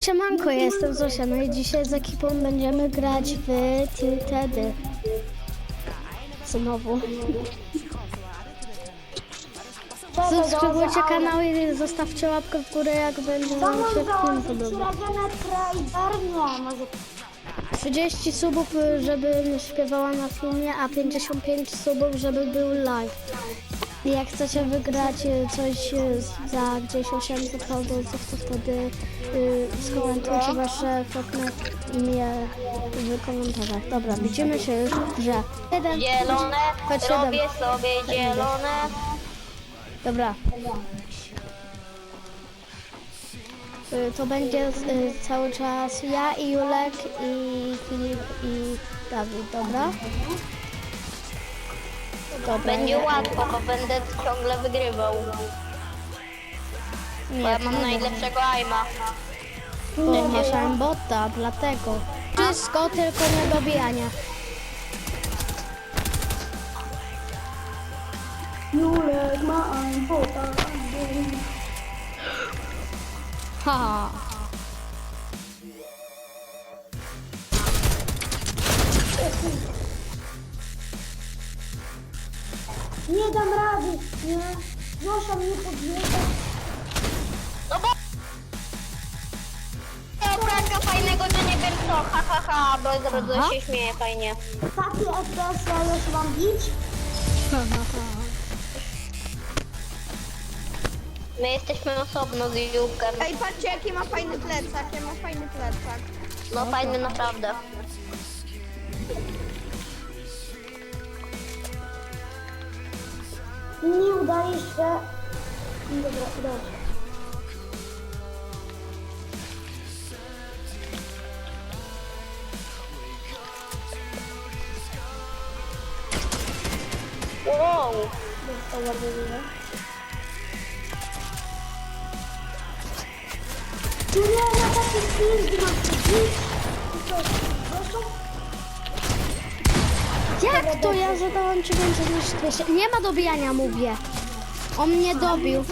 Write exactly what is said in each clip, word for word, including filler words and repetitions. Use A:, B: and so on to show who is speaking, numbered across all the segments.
A: Siemanko, ja jestem Zosia, no i dzisiaj z ekipą będziemy grać w Tiltedy. Znowu. Subskrybujcie kanał i zostawcie łapkę w górę, jak będzie wam się film podobał. trzydzieści subów, żebym śpiewała na filmie, a pięćdziesiąt pięć subów, żeby był live. I jak chcecie wygrać coś za gdzieś osiemset fałdolców, to wtedy yy, skomentujcie wasze fotne imię w komentarzach. Dobra, widzimy się już w grze. Jeden,
B: Zielone,
A: chodź,
B: robię
A: siedem.
B: sobie zielone.
A: Dobra. Yy, to będzie yy, cały czas ja i Julek i Filip i Dawid, dobra? Dobra,
B: Będzie
A: nie.
B: łatwo, bo będę ciągle wygrywał. Bo ja mam najlepszego aima.
A: Bo masz aimbota, dlatego. Wszystko, tylko nie dobijania.
C: Julek ma aimbota.
A: Ha.
C: Nie dam rady, nie. Zosia mnie podjeżdża.
B: No bo... Ja Franka fajnego, że nie wiem co, ha ha ha, bo bardzo się śmieje fajnie.
C: Takie F P S ja już mam bić.
B: My jesteśmy osobno z Jułkiem.
D: Ej, patrzcie jaki ma fajny plecak, ja ma fajny plecak.
B: No fajny naprawdę.
C: Nie udaje się. Dobra, udało się.
B: Wow.
C: Dostała wyrywa. Tu nie ma takich film, gdzie mam się bić. I co, Zosią?
A: Jak to ja zadałam ci więcej niż dwieście? Nie ma dobijania, mówię. On mnie dobił.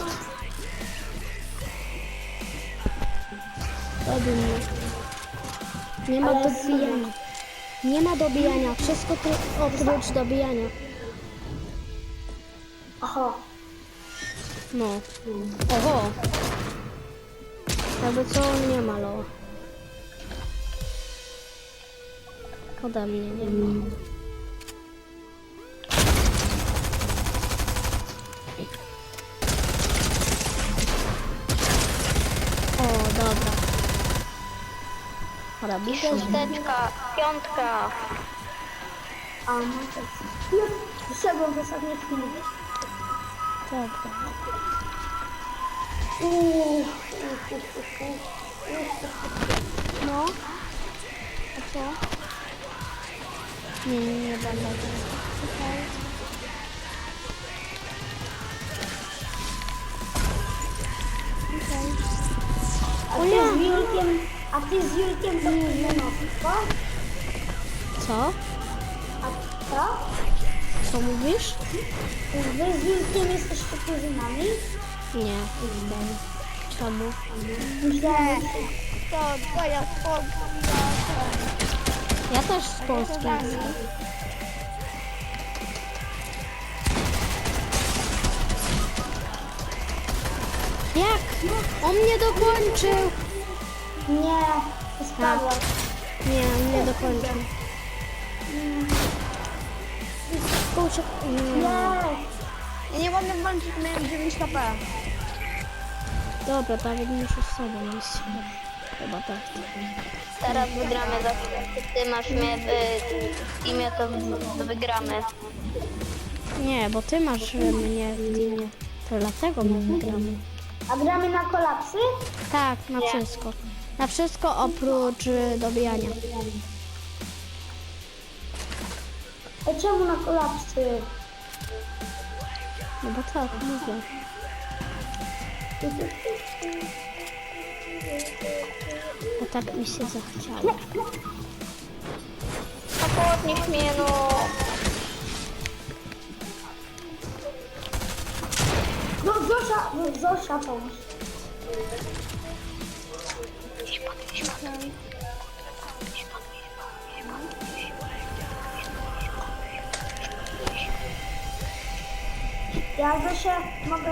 A: Dobił mnie. Nie ma
C: Ale
A: dobijania. Nie ma dobijania. Wszystko tu oprócz dobijania.
C: Aha.
A: No. Oho. Jakby co, on nie ma loa. Ode mnie nie ma. O, dobra. Robi się.
B: Szósteczka, piątka.
C: A, no to jest. Wyszedłem w ostatniej chwili.
A: Dobra.
C: Uuu.
A: No. A co? Nie, nie, nie będę. Okej. Okej.
C: A ty z Julkiem, a ty z Julkiem to nie nosisz, co?
A: Co?
C: A co?
A: Co mówisz?
C: Wy z Julkiem jesteście kuzynami?
A: Nie, jestem. Czemu?
C: Myślałem, że...
D: To twoja spokój.
A: Ja też z Polski jestem. Jak? On mnie dokończył!
C: Nie, spadłem.
A: Nie, on mnie dokończył. Kurczę, nie.
C: Nie.
D: Ja nie mogę włączyć, miałem dziewięć K P.
A: Dobra, Dawid muszę z sobą iść. Chyba tak.
B: Teraz wygramy za chwilę. Ty masz mnie w imię, to wygramy.
A: Nie, bo ty masz mnie w teamie. To dlatego my wygramy.
C: A gramy na kolapsy?
A: Tak, na wszystko. Na wszystko oprócz y, dobijania.
C: A czemu na kolapsy?
A: No bo tak, mówię. Bo tak mi się zachciało.
B: No podnieś mnie, no.
C: No Zosia, no Zosia pomóż.
B: Gdzieś pod
C: Ja Zosia mogę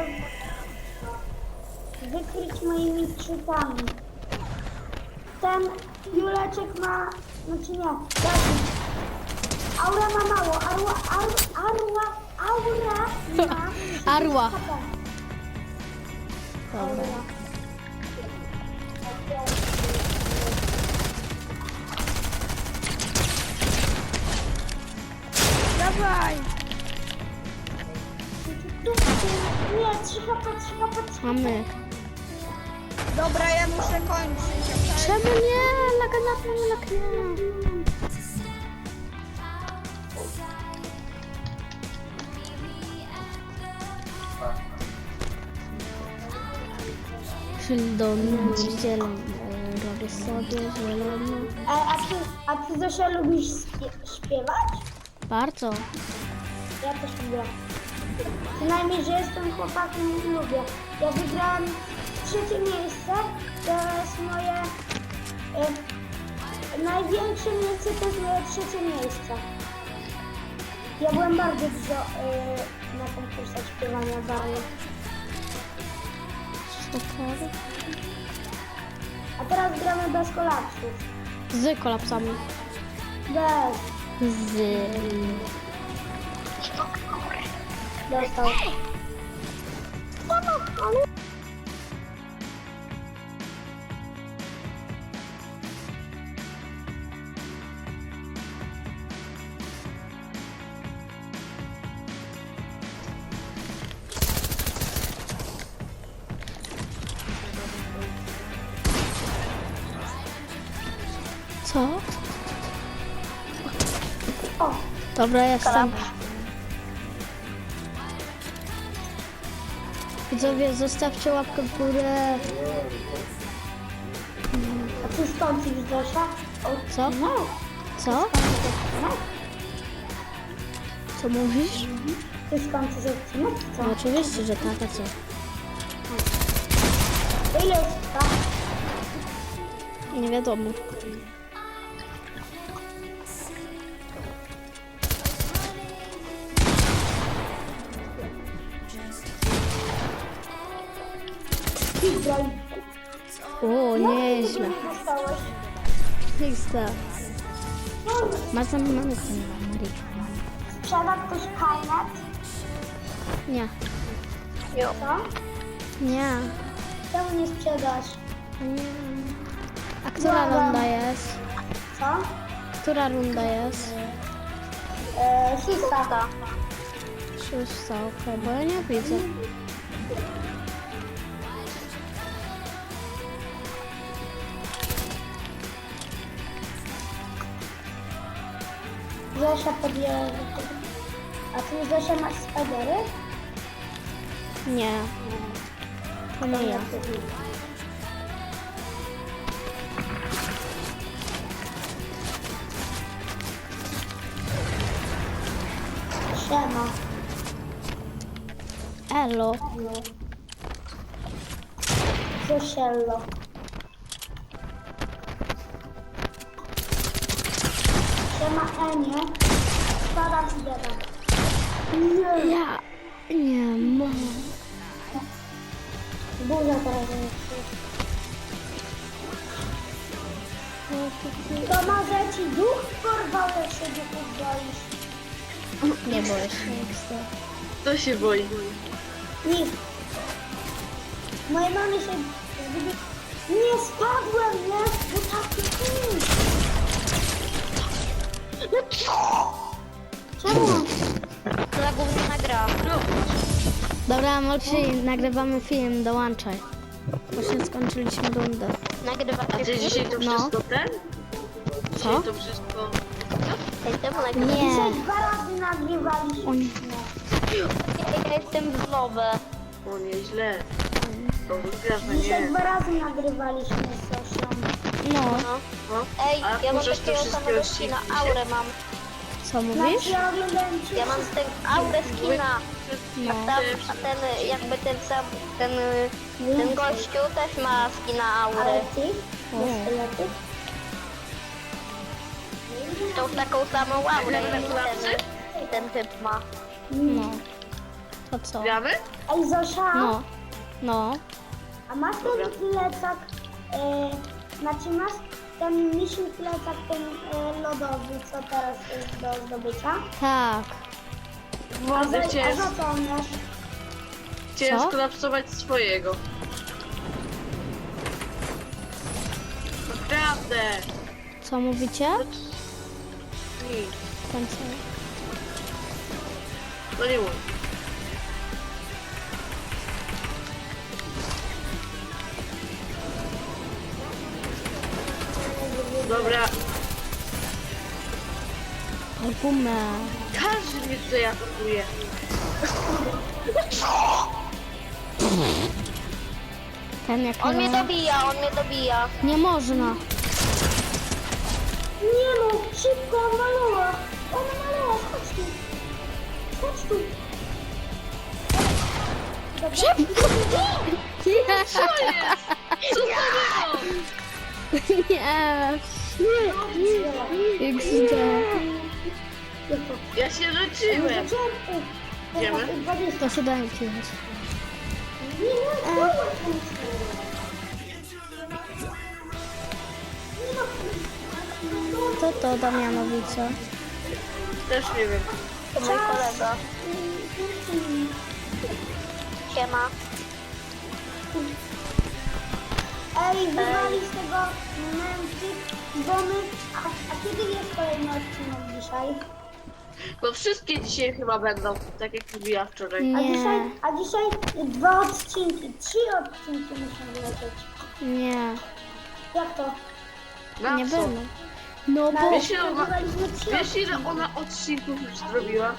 C: wykryć moimi czytami. Ten Juleczek ma, znaczy nie, Dawid. Aura ma mało, arła, ar, arła, aura ma
A: Arła.
C: H P.
A: Dobra.
D: Dawaj!
C: Tu, tu, nie, trzy H P, trzy H P, trzy H P.
A: Mamy.
D: Dobra, ja muszę kończyć. okej?
A: Czemu nie? Laga na tym, lag nie. Sheldon, zielony, robię sobie zielony.
C: E, a, ty, a ty Zosia lubisz śpie- śpiewać?
A: Bardzo.
C: Ja też lubię. Przynajmniej, że jestem chłopakiem i lubię. Ja wygrałem trzecie miejsce, to jest moje e, największe miejsce, to jest moje trzecie miejsce. Ja byłem bardzo dużo e, na konkursach śpiewania bardzo.
A: Super.
C: A teraz gramy bez kolapsów.
A: Z kolapsami.
C: Bez.
A: Z.
C: Dostał.
A: Co?
C: O,
A: Dobra, jestem. Widzowie, zostawcie łapkę w górę.
C: a ty skończysz Zosia? O,
A: Co?
C: no.
A: Co?
C: No.
A: Co mówisz?
C: Ty skończysz odcinek, co?
A: No oczywiście, że tak, a co?
C: Ile jest tak?
A: Nie wiadomo.
C: Widzę.
A: O, nieźle.
C: Dostałeś.
A: Lista. Masz za mamy chyba, Marii.
C: Sprzeda ktoś kajnet?
A: Nie,
C: Co?
A: nie.
C: Czemu nie sprzedasz?
A: Nie. A która
C: Dobra.
A: runda jest?
C: Co?
A: Która runda jest?
C: Eee, szósta.
A: Szósta, okej, bo ja nie widzę.
C: Zosia podjęła. A ty Zosia masz spadery?
A: Nie. To nie ja.
C: Siema.
A: Elo.
C: Zosiello. Siema Enie. Spadam i dedam. Nie.
A: Ja nie mogę.
C: Burza teraz jest. To może ci duch porwał, jak się duchów boisz?
A: Nie boję się.
E: Kto się boi?
C: Nikt. Mojej mamy się zgubi... Nie spadłem, nie? Bo taki film. Czemu?
B: Za gówniana gra.
A: Dobra, Moksi, nagrywamy film, dołączaj. Właśnie skończyliśmy rundę.
B: Nagrywa
E: A
B: się
E: ty dzisiaj to
A: No.
E: wszystko ten?
A: Co?
E: Dzisiaj to wszystko...
B: Jestem nagrywa.
C: Dzisiaj
A: Nie.
C: dwa razy nagrywaliśmy.
A: O nie.
B: Ja jestem w lobę.
E: O, nieźle. To wygrasz, no
C: Dzisiaj
E: nie.
C: dwa razy nagrywaliśmy z Zosią.
A: No,
B: No.
E: No.
B: Ej,
E: A
B: ja mam
E: możesz to
B: takiego
E: wszystkie
B: samego
E: odcinki
B: skina,
E: dzisiaj?
B: aurę mam.
A: co
C: Znaczy
A: mówisz?
C: ja oglądałem cię
B: Ja mam
C: wszystkie.
B: ten aurę skina.
A: No.
B: A, tam, a ten jakby ten sam, ten, ten gościu też ma skina
C: Ale
B: aury.
C: ty? Sztyletyk.
B: Tą taką samą aurę ten, ten typ ma.
A: No. To co?
E: Gramy?
C: Ej, Zosia,
A: No. No.
C: a masz ten plecak, e, znaczy masz ten misi plecak, ten e, lodowy, co teraz jest do zdobycia?
A: Tak.
C: A
E: Władzę
C: za, a
E: chciałem,
C: za co on masz?
E: chciałem
A: Co?
E: skolapsować swojego. Naprawdę!
A: Co mówicie?
E: Nic.
A: Ten co?
E: No nie mówię. Dobra,
A: Argument.
E: każdy mnie tutaj atakuje.
A: Ten jak
B: On mnie
A: ma...
B: dobija, on mnie dobija.
A: Nie można.
C: Nie no, szybko, on malała. On malała, chodź tu. Chodź tu.
A: Szybko!
E: Co jest? Co to było?
A: Nie. X D.
E: Ja się leczyłem. Idziemy?
A: To siódemki jest. Co to Damianowice?
E: Też nie wiem.
B: To mój kolega. Siema.
C: Ej, wywali z tego momenty, bo my... A, a kiedy jest kolejny odcinek dzisiaj?
E: Bo wszystkie dzisiaj chyba będą, tak jak mówiła wczoraj.
C: A
A: Nie.
C: dzisiaj, a dzisiaj dwa odcinki, trzy odcinki muszą wylecieć.
A: Nie.
C: Jak to?
E: Na
A: Nie
E: co?
A: będą. No
C: Na
A: bo...
E: Wiesz, ile ona,
C: nagrywaliśmy trzy
E: wiesz ile ona odcinków już zrobiła?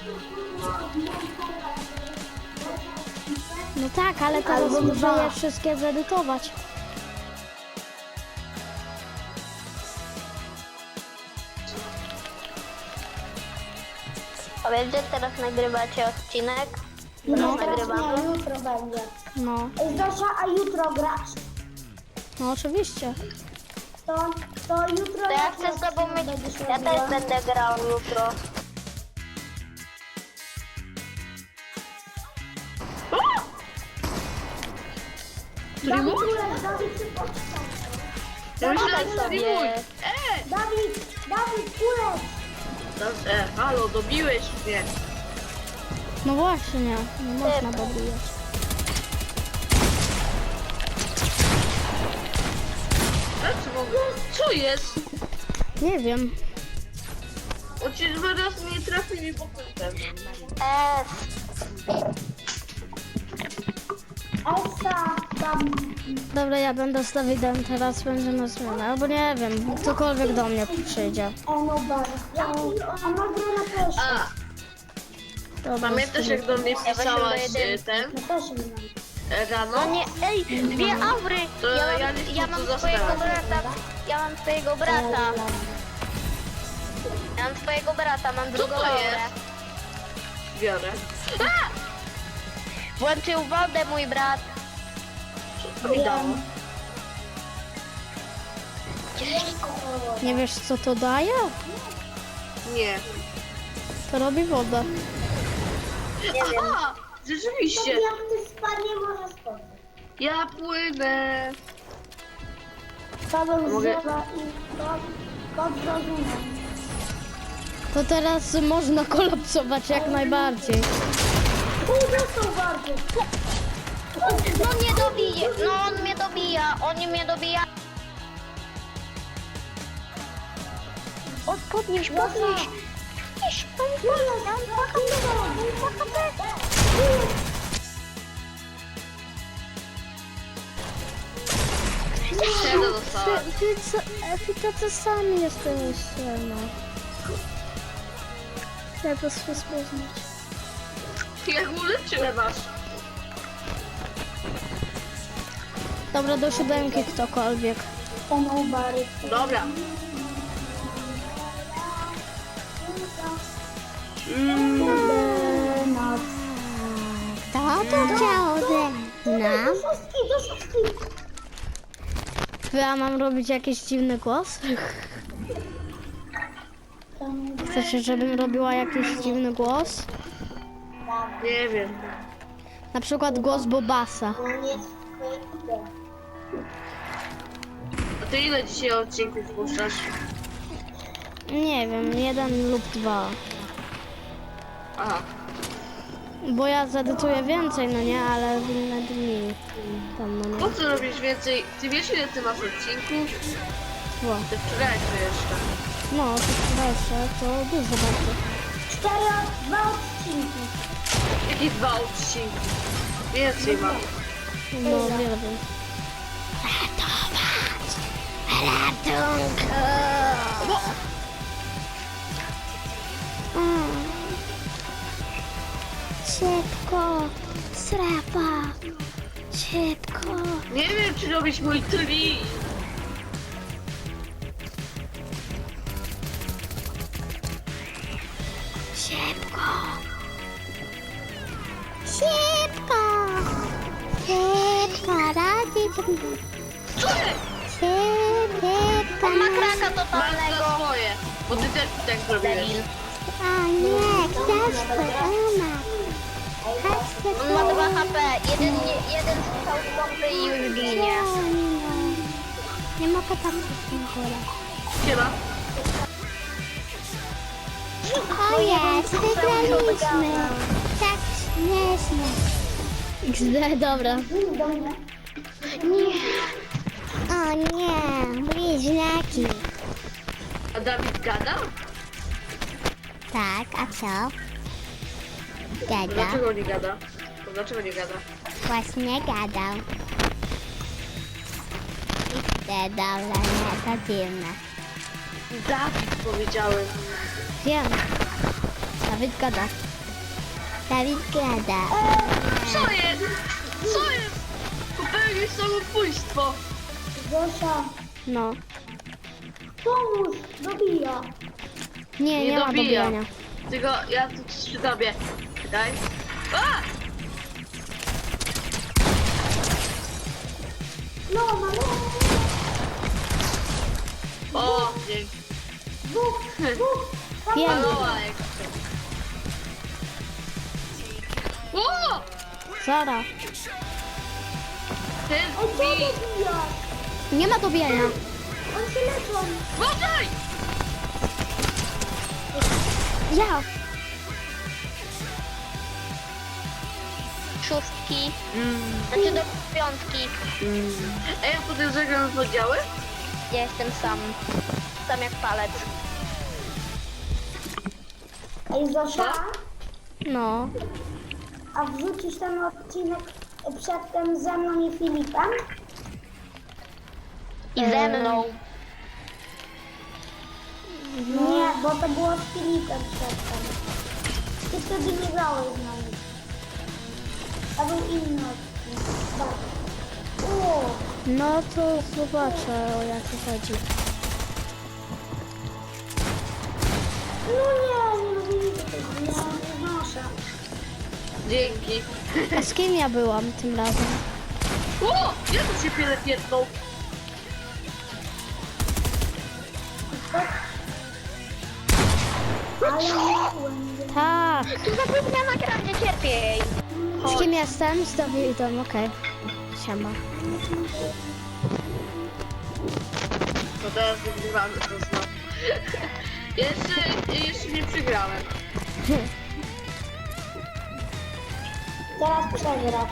A: No tak, ale teraz
C: Albo
A: muszę
C: dwa.
A: je wszystkie zedytować.
B: A wiesz, że teraz nagrywacie odcinek?
C: No,
B: No,
C: teraz
B: nagrywamy.
C: nie, jutro będzie.
A: No.
C: Ej, Zosia, a jutro grasz?
A: No oczywiście.
C: To, to jutro...
B: To ja
C: jaki
B: chcę z tobą
C: odcinek
B: mieć...
C: będziesz
B: Ja
C: robiła?
B: też będę grał jutro.
E: Który mój?
C: Dawid, Dawid, ty poczekaj.
E: Ja myślałem,
B: Dawaj
E: że to
B: sobie.
E: mój. E!
C: Dawid, Dawid, kulec!
E: No, e, halo, dobiłeś mnie.
A: No właśnie, nie można dobijać.
E: Znaczy mogę? Co jest?
A: Nie wiem.
E: On ci dwa razy nie trafił mi po tym.
B: S.
C: Elsa, tam...
A: Dobra, ja będę z Dawidem, teraz będziemy zmianę. Albo nie wiem, ktokolwiek do mnie przyjdzie.
C: Enobar. A ma grę na też.
E: A,
A: Dobra,
E: pamiętasz jak do mnie
B: Ja
E: pisałaś
B: właśnie do
E: e, ten
C: Ja też nie mam.
E: e, rano?
B: No nie, ej, dwie aury!
E: To
B: Ja
E: ja
B: mam,
E: nie chcę
B: ja
E: tu
B: mam
E: zostawać.
B: twojego brata, ja mam twojego brata. Ja mam twojego brata, mam drugą
E: to
B: aurę.
E: jest? Biorę.
B: Włączył wodę mój brat.
E: Co mi dało?
A: Nie wiesz co to daje?
E: Nie.
A: To robi wodę.
B: Nie wiem.
E: Aha! Rzeczywiście!
C: Jak ty spadnie, może spadnie.
E: Ja płynę!
C: Paweł
E: Mogę-
C: zjeba i kod, kod zrozumiem.
A: To teraz można kolapsować jak najbardziej.
C: Pół dostał bardzo.
B: No mnie dobije, no on mnie dobija, on mnie dobija. O, podnieś, podnieś. Podnieś,
E: Czego dostałem?
A: Wy, wy, co, wy tacy sami jesteście, no. Jak to się spoznać?
E: Jak uleczyłem was?
A: Dobra, do siódemki ktokolwiek.
C: Enobar.
E: Dobra.
C: Noc.
A: Kto to chciał ze
C: Do szóstki, do szóstki.
A: To ja mam robić jakiś dziwny głos? Chcecie, żebym robiła jakiś dziwny głos?
E: Nie wiem.
A: Na przykład głos Bobasa.
E: A ty ile dzisiaj odcinków puszczasz?
A: Nie wiem, jeden lub dwa.
E: Aha.
A: Bo ja zedytuję więcej, no nie, ale w inne dni. Tam, no
E: Po
A: nie.
E: co robisz więcej? Ty wiesz ile ty masz odcinków?
A: Bo.
E: Ty wczorajszy jeszcze.
A: No, to jeszcze, to dużo bardzo.
C: Cztery, dwa odcinki.
E: Jakie dwa odcinki? Więcej mam.
A: No, wiele wiem. Ratować! Ratunku! Mm. Szybko! Strefa! Szybko!
E: Nie wiem czy robić mój tri.
A: Szybko! Szybko! Szybko! Radzi!
E: Co jest?
A: Szybko!
B: On ma kraka
E: Masz
B: totalnego.
E: za swoje. Bo ty też tak zrobiłeś.
B: Debil.
A: A nie, książkę, ona.
B: On ma dwa H P. Jeden, nie- jeden strzał z pompy i już ginie.
A: Nie mogę tam w tym górę.
E: Siema.
A: O jest, wygraliśmy. Tak śmiesznie. X D, dobra. Nie. O nie, bliźniaki.
E: A Dawid gada?
A: Tak, a co? Gada.
E: Dlaczego nie gada? To dlaczego nie gada?
A: Właśnie gadał. X D, dobra, nie, to dziwne.
E: Dawid powiedziałem.
A: Wiem. Dawid gada. Dawid gada.
E: Co jest? Co jest? Popełniłeś samobójstwo.
C: Zosia,
A: No.
C: pomóż, dobija.
A: Nie, nie,
E: Nie
A: ma
E: dobija.
A: dobijania.
E: Tylko ja tu przy tobie. Daj. A!
C: No, no, no.
E: O, dzięki.
C: Dwóch, dwóch.
A: Wiem.
E: Maloła jak O!
A: Zara.
E: Ten
C: Ej, co
E: mi!
C: dobija?
A: Nie ma dobijania.
C: On się leczą.
E: Uważaj!
A: Ja.
B: Szóstki. Znaczy do piątki.
E: Ej, a potem zagram w oddziały?
B: Ja jestem sam. Sam jak palec.
C: Ej, Zosia,
A: No.
C: a wrzucisz ten odcinek przedtem ze mną i Filipem?
B: I ze mną.
C: Nie, bo to było z Filipem przedtem. Ty wtedy nie grałeś z nami. To był inny odcinek. Tak. O,
A: No to zobaczę, o jakie chodzi.
C: no nie, nie lubię tego, nie, nie znoszę.
E: Dzięki.
A: A z kim ja byłam tym razem?
E: O! Ja tu się piele pierdną.
C: Ale miałem.
A: Tak.
B: Tu zapomniałam nagranie, cierpiej.
A: Z kim jestem? Z Dawidem, okej. Siema.
E: To teraz wygrywamy to znowu. Jeszcze, jeszcze nie przegrałem.
C: Teraz przegrasz.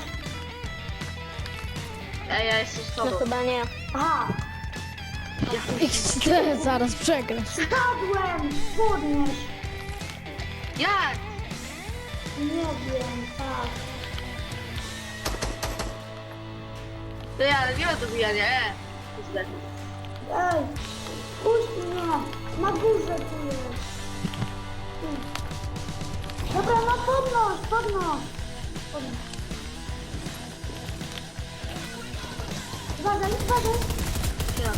E: Ej, ja jestem z
B: No
E: tobą.
B: chyba nie.
C: Aha,
A: X D, zaraz przegrasz.
C: spadłem! Podnieś!
E: Jak?
C: Nie wiem, tak.
E: To ja, ale nie ma dobijania, e. Źle.
C: Ej, puść mnie! Na górze tu jest. Tu. Dobra, no podnoś, podnoś. Podnoś. Uważaj, uważaj.
E: Ja.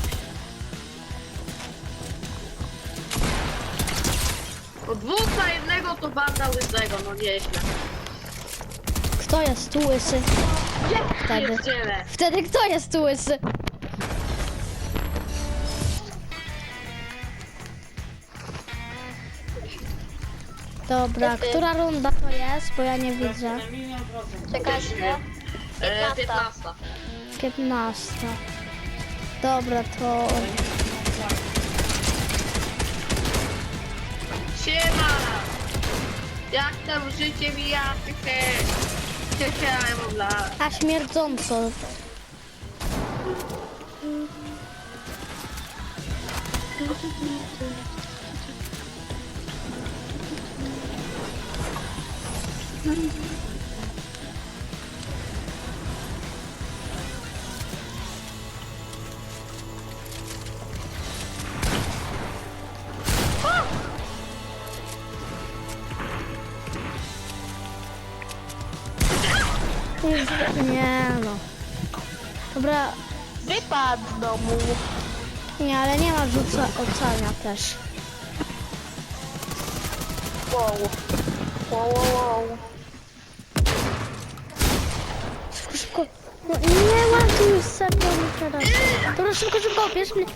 E: Po dwóch na jednego to banda łysego, no nieźle.
A: Kto jest tu łysy? Wtedy.
E: Pierdziele.
A: Wtedy kto jest tu łysy? Dobra, która runda to jest? Bo ja nie widzę.
B: Czekajcie.
E: E, piętnasta.
A: piętnasta. Dobra, to...
E: Siema! Jak tam życie mija? Hehe, ja mam lat.
A: A śmierdząco. Nie no. Dobra,
B: Wypadł z domu.
A: nie, ale nie ma rzuca ocenia też.
B: Wow. Wow, wow, wow.
A: Szybko, szybko. No, nie ładuj serio mi teraz. Dobra, szybko, szybko, bierz mnie.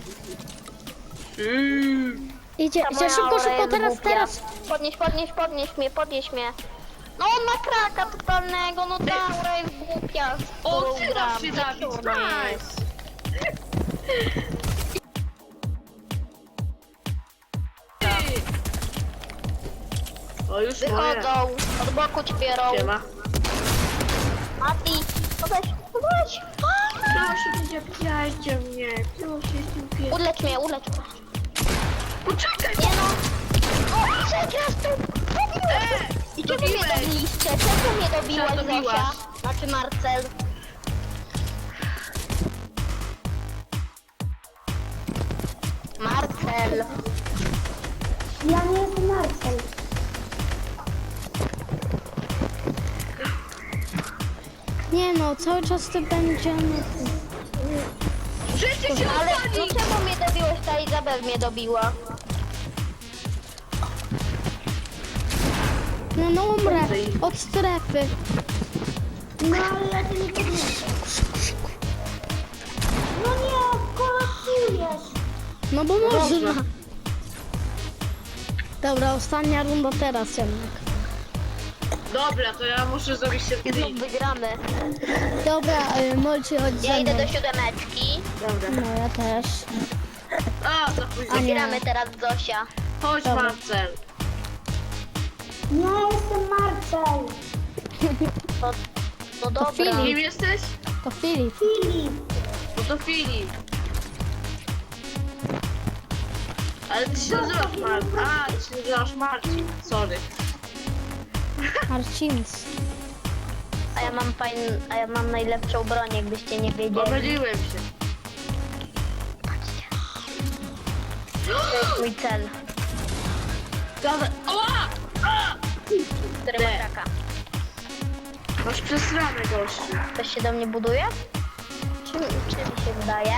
E: Mm.
A: Idzie,
B: Ta
A: idzie,
B: moja
A: szybko,
B: aura
A: szybko,
B: jest
A: teraz,
B: głupia.
A: teraz.
B: Podnieś, podnieś, podnieś mnie, podnieś mnie. No on ma kraka totalnego, no ta aura jest głupia. z
E: O,
B: którą
E: przyda
B: gram.
E: się Dawid,
B: Ona jest.
E: nice! O, już moje.
B: Wychodzą, od boku ci biorą.
E: Siema.
B: Mati, podejdź, podejdź.
E: Proszę, nie zabijajcie mnie. Proszę, nie
B: Ulecz mnie, ulecz mnie.
E: Poczekaj!
B: Nie no. O, przegrasz tu.
E: E,
B: I czemu mnie
E: dobiłeś.
B: dobiliście? Czemu mnie dobiłaś,
E: Co dobiłaś?
B: Zosia? Znaczy Marcel. Marcel.
C: Ja nie jestem Marcel.
A: Nie no, cały czas ty będziemy...
E: Życie się
B: Ale no
E: odpali!
B: czemu mnie dobiłeś? Ta Izabel mnie dobiła.
A: No, no umrę od strefy.
C: No ale ja cię nie podniosę. No nie, kolapsujesz.
A: No bo można. Dobra, ostatnia runda teraz jednak.
E: Dobra, to ja muszę zrobić się
B: I znów wygramy.
A: Dobra, y, Molci, chodź
B: Ja
A: ze
B: idę
A: mną.
B: do siódemeczki.
E: Dobra.
A: No ja też.
E: A, za późno.
A: A nie.
B: Gramy teraz Zosia.
E: Chodź,
A: Dobra.
E: Marcel.
C: Nie jestem Marcel.
B: No, no dobra.
A: Filip.
E: Kim jesteś?
A: To Filip.
C: Filip.
E: No to Filip. Ale ty się nazywasz Marcin. A, ty się nazywasz Marcin. Sorry.
A: Marcins.
B: A ja mam fajn, a ja mam najlepszą broń, jakbyście nie wiedzieli.
E: Pomyliłem się.
B: To jest mój cel,
E: Dawaj. Oła! A!
B: który ma kraka.
E: Masz przesrane, gościu.
B: Ktoś się do mnie buduje? Czy, czy mi się wydaje?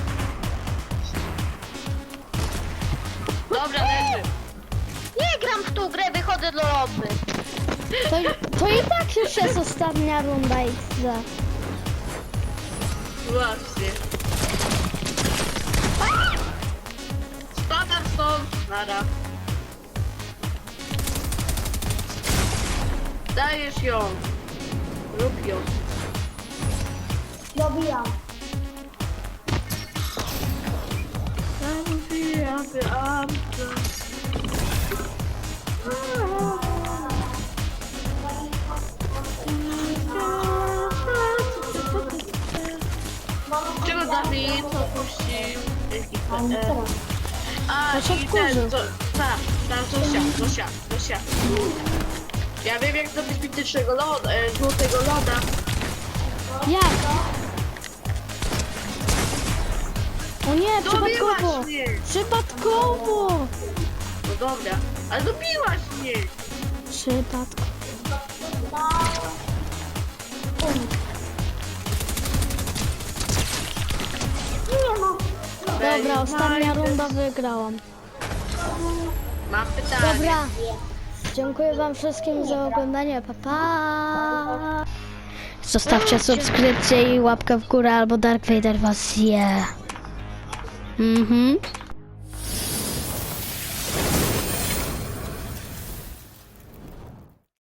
E: Dobra, leży.
B: Nie gram w tą grę, wychodzę do lobby.
A: To, to i tak już jest ostatnia runda X D.
E: Właśnie. Spadam stąd. Nara. Dajesz ją. Rób ją.
C: Dobijam.
E: Czego Dawid opuścił ekipę? E, A,
A: To się
E: i
A: wkurzył.
E: ten, to, tak, ta Zosia, Zosia, Zosia. Ja wiem jak zrobić mitycznego loda, e, złotego loda.
A: Jak? O nie, przypadkowo.
E: Dobiłaś mnie!
A: Przypadkowo.
E: No dobra, ale dobiłaś mnie!
A: Przypadkowo.
C: Nie no.
A: Dobra, ostatnia runda wygrałam.
E: Mam pytanie.
A: Dobra. Dziękuję wam wszystkim za oglądanie. Pa, pa. Zostawcie subskrypcję i łapkę w górę, albo Dark Vader was zje. Mhm.